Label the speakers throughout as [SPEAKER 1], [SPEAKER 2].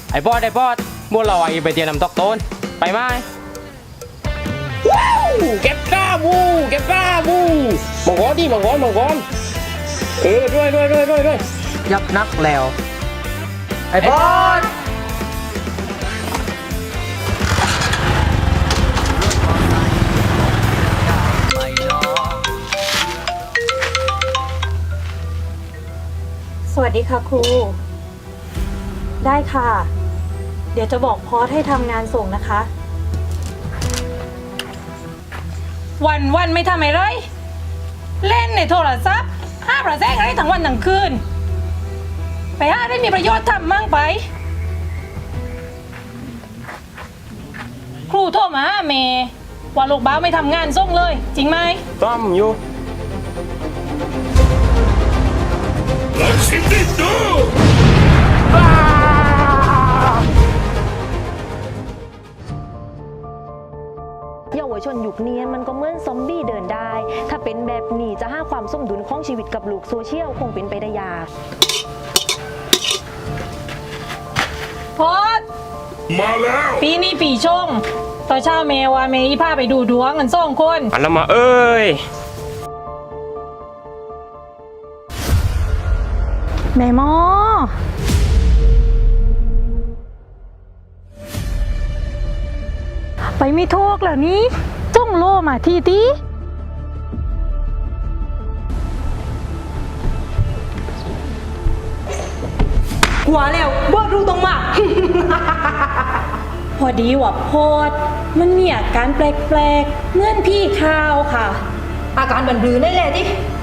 [SPEAKER 1] ไอ้บอสบัวลอยไปเตียนำตอกต้นไปไหมว้าวเก็บก้าบูมังกรดิมังกรด้วย
[SPEAKER 2] ยับนักแล้วไอ้บอส
[SPEAKER 3] สวัสดีค่ะครูได้ค่ะ เดี๋ยวจะบอกพอสให้ทำงานส่งนะคะ
[SPEAKER 4] วันไม่ทำอะไรเล่นในโทรศัพท์ห้าประแซงอะไรทั้งวันทั้งคืนไปหาได้มีประโยชน์ทำมั่งไปครูโทรมาหาเมย์ว่าลูกบ้าวไม่ทำงานส่งเลยจริงไหม
[SPEAKER 1] ต้อมอยู่
[SPEAKER 5] เยาวชนยุคนี้มันก็เหมือนซอมบี้เดินได้ ถ้าเป็นแบบนี้จะหาความสมดุลของชีวิตกับโลกโซเชียลคงเป็นไปได้ยาก
[SPEAKER 4] พอดมาแล้วปีนี้ปีชงต่อนเช้าเมย์ว่าเมย์พาไปดูดวงกันสองคน
[SPEAKER 1] อันละมาเอ้ย
[SPEAKER 4] แม่หมอไปไม่โทกแล้วนี้จ้องโลมาทีตีหัวแล้วบอดรู้ตรงมา พอดีว่าโพดมันมีอาการแปลกๆเหมือนพี่ข้าวค่ะ
[SPEAKER 6] อาการบันบือได้แหละที่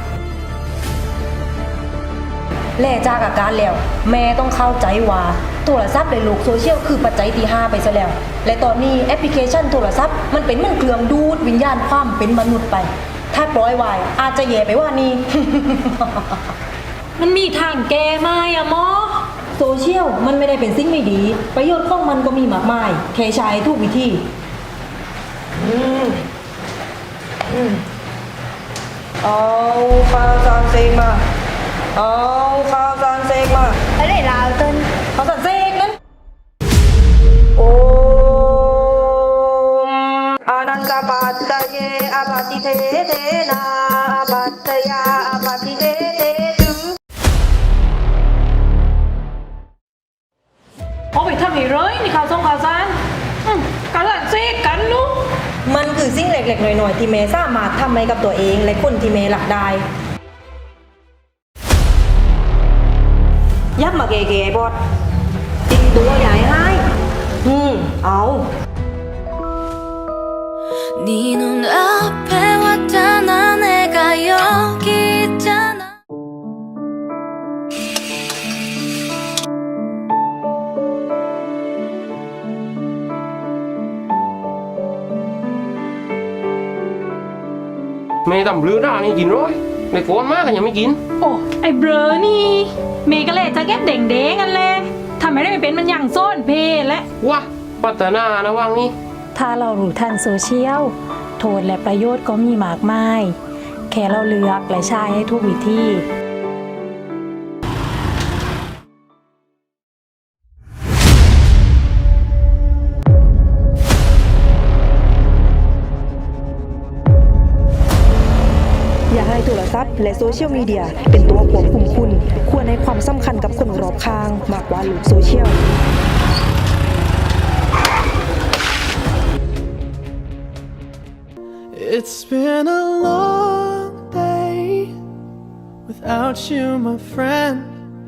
[SPEAKER 6] แล่จากอาการแล้วแม่ต้องเข้าใจว่าโทรศัพท์ในโลกโซเชียลคือปัจจัยที่5ไปซะแล้วและตอนนี้แอปพลิเคชันโทรศัพท์มันเป็นเหมือนเครื่องดูดวิญญาณความเป็นมนุษย์ไป ถ้าปล่อยไว้อาจจะแย่ไปว่านี้
[SPEAKER 4] มันมีทางแก้ไหมอะหมอ
[SPEAKER 6] โซเชียลมันไม่ได้เป็นสิ่งไม่ดีประโยชน์ของมันก็มีมากมายแค่ใช้ทุกวิธีเอาข้าวสารเซกมาเอาข้าวสารเซกมาอะไรลาวต้นข้าวสารเซกนั้นโอมอานันตปัตตะเยอปัตติเทเทนาอปัตตยาอปัตติเทเทตึง
[SPEAKER 4] เอาไปทำให้เลยนี่ข่าวส่งข่าวสารกันละเซกันลูก
[SPEAKER 6] มันคือสิ่งเล็กๆหน่อยๆที่เมย์สามารถทำให้กับตัวเองและคนที่เมย์หลักได้ยับมาเก๋ๆบอดติดตัวใหญ่ให้เอา
[SPEAKER 7] 네 눈앞에 왔잖아 내가 여기 있잖아
[SPEAKER 1] ไม่ทำเรือด้านี่กินร้อยในโกนมากกันยังไม่กิน
[SPEAKER 4] โอ้ไอ้เบลอนี่เมย์ก็เลยจะแก็บเด่งๆกันเลยทำไมได้ไม่เป็นมันอย่างโซนเพและ
[SPEAKER 1] ว้าพัฒนานะว่างนี่
[SPEAKER 3] ถ้าเรารู้ทันโซเชียลโทษและประโยชน์ก็มีมากมาย แค่เราเลือกและใช้ให้ทุกวิธี
[SPEAKER 6] อย่าให้โทรศัพท์และโซเชียลมีเดียเป็นตัวควบคุมคุณควรให้ความสำคัญกับคนรอบข้างมากกว่าโลกโซเชียล
[SPEAKER 8] It's been a long day without you, my friend.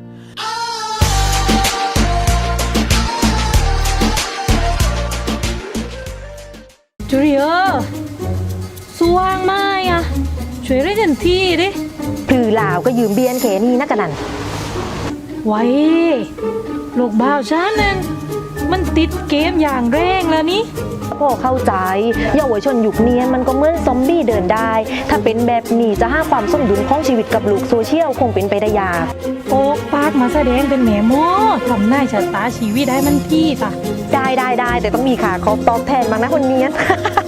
[SPEAKER 4] จูเลียสว่างไหมอะช่วยได้ทันทีดิ
[SPEAKER 5] หรือลาวก็ยืมเบียนแขนี่นักกันนั่น
[SPEAKER 4] ไว้ลูกบ่าวฉันนั่นมันติดเกมอย่างแรงแล้วนี่
[SPEAKER 5] พ่อเข้าใจเยาวชนยุคนี้มันก็เหมือนซอมบี้เดินได้ ถ้าเป็นแบบนี้จะหาความสมดุลของชีวิตกับโลกโซเชียลคงเป็นไปได้ยาก
[SPEAKER 4] โอ๊กปากมาแสดงเป็นแม่หมอทำหน้าชะตาชีวิตได้มันพี่ตะ
[SPEAKER 5] ได้แต่ต้องมีขาครบตอบแทนบ้างนะคนเนี้ย